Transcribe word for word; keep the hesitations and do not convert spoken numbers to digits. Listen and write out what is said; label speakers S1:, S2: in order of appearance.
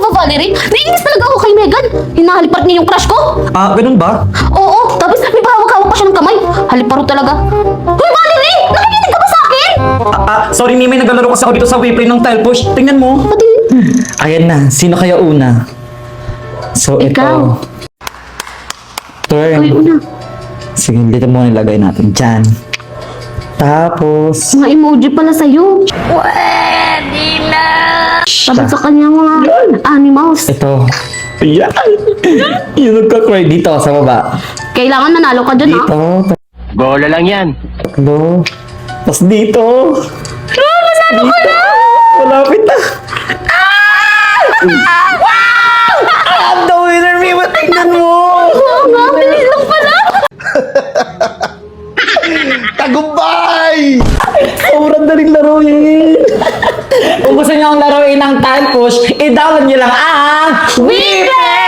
S1: ba, Valerie? Naiinis talaga ako kay Megan. Hinahalipat niya yung crush ko.
S2: Ah, ganun ba?
S1: Oo, tapos may pahawak-hawak pa siya ng kamay. Haliparo talaga. Hoy, Valerie! Nakikinig ka ba sa akin?
S2: Ah, ah, sorry Mimi, naglalaro kasi ako dito sa Wayplay ng tile push. Tingnan mo.
S1: Pati,
S2: Ayan na, sino kaya una? So,
S1: Ikaw.
S2: ito. Turn.
S1: ay, una.
S2: Sige, dito muna nilagay natin. Diyan. Tapos,
S1: Mga emoji pala sa'yo. Pwede na! Sabi sa kanya mga animals.
S2: ito. Ayan. Yung nagka-cry dito sa baba.
S1: Kailangan manalo ka dyan, ha?
S2: Dito.
S3: Bola lang yan.
S2: Tatlo. Tapos dito.
S1: Ah, manalo ka na!
S2: Malapit na. Ah! Wow! I'm the winner, Mimi. Tingnan mo.
S1: Oo nga, bilis lang pala.
S3: Tagumpay!
S2: Sobrang daling laruin. Kung gusto niyo ang laruin ng tile push, i-download niyo lang ang
S1: Weekend!